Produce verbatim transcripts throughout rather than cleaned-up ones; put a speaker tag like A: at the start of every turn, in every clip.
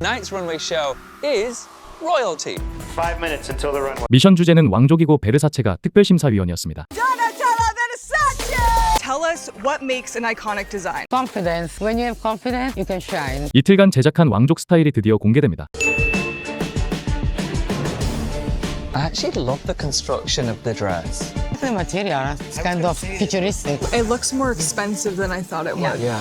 A: Tonight's runway show is royalty.
B: Five minutes until the runway.
C: 미션 주제는 왕족이고 베르사체가 특별심사위원이었습니다.
D: Tell us what makes an iconic design.
E: Confidence. When you have confidence, you can shine.
C: 이틀간 제작한 왕족 스타일이 드디어 공개됩니다.
A: I actually love the construction of the dress.
E: The material, it's kind of futuristic.
D: It looks more expensive than I thought it would.
A: Yeah.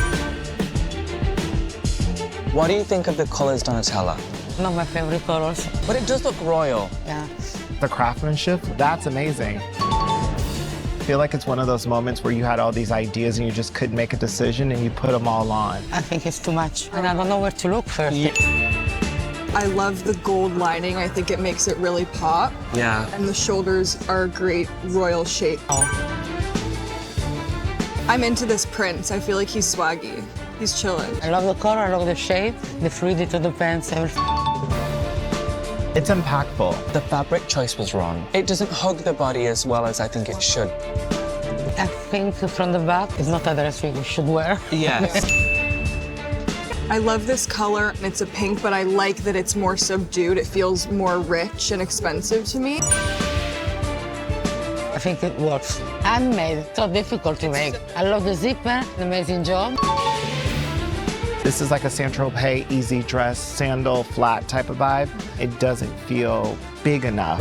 A: What do you think of the colors, Donatella?
E: Not my favorite colors.
A: But it does look royal.
E: Yeah.
F: The craftsmanship, that's amazing. I feel like it's one of those moments where you had all these ideas and you just couldn't make a decision and you put them all on.
E: I think it's too much. And I don't know where to look first.
D: I love the gold lining. I think it makes it really pop.
A: Yeah.
D: And the shoulders are a great royal shape.
E: Oh.
D: I'm into this prince. I feel like he's swaggy. He's chilling.
E: I love the color, I love the shape, the fluidity of the pants, everything.
F: It's impactful.
A: The fabric choice was wrong. It doesn't hug the body as well as I think it should.
E: I think from the back, it's not a dress we should wear.
A: Yes.
D: I love this color. It's a pink, but I like that it's more subdued. It feels more rich and expensive to me.
E: I think it works. Handmade, so difficult to make. I love the zipper, an amazing job.
F: This is like a Saint-Tropez easy dress, sandal, flat type of vibe. It doesn't feel big enough.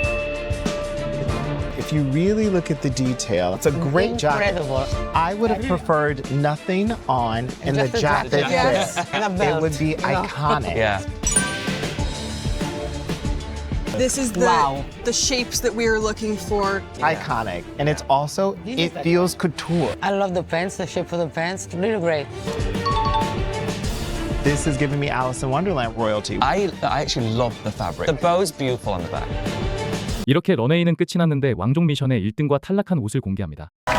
F: If you really look at the detail, it's a great jacket.
E: Incredible.
F: I would have preferred nothing on and
E: Just
F: the
E: a
F: jacket
E: jacket. Yes.
F: fit.
E: And a
F: It
E: belt.
F: would be
E: Yeah.
F: iconic.
A: Yeah.
D: This is the,
E: Wow.
D: the shapes that we were looking for.
F: Iconic. And it's also, it feels couture.
E: I love the pants, the shape of the pants, really great.
F: This is giving me Alice in Wonderland royalty.
A: I, I actually love the fabric. The bow's beautiful on the back.
C: 이렇게 런웨이는 끝이 났는데 왕족 미션의 일 등과 탈락한 옷을 공개합니다.